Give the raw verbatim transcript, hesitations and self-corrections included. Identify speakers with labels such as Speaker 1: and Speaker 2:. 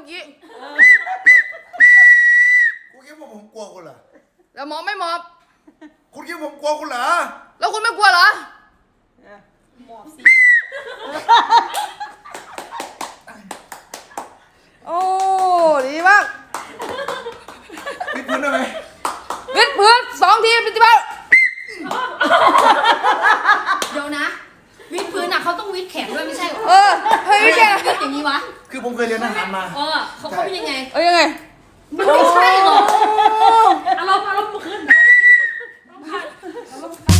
Speaker 1: อกี้
Speaker 2: คุณคิดว่าผมกลัวคุณเหรอ
Speaker 1: แล้วหมอบไม่หมอบ
Speaker 2: คุณคิดว่าผมกลัวคุณเหรอ
Speaker 1: แล้วคุณไม่กลัวเหรอ
Speaker 3: หมอบสิ
Speaker 1: โอ้ดีมาก
Speaker 2: วิดพื้นได้ไหม
Speaker 1: วิดพื้นสองทีปฏิบัติ
Speaker 3: เดี๋ยวนะวิดพื้นอ่ะเขาต้องวิดแขนด้วยไม่ใช่หรอ
Speaker 1: เออเฮ้ยแก
Speaker 3: วิดอย่างนี้วะ
Speaker 2: คือผมเคยเรียนทหารมา
Speaker 3: เออเขาเขาเป็นยังไง
Speaker 1: เอ้ยยังไง
Speaker 3: มันไม่ใช่หรอกอารมณ์อารมณ์ขึ้น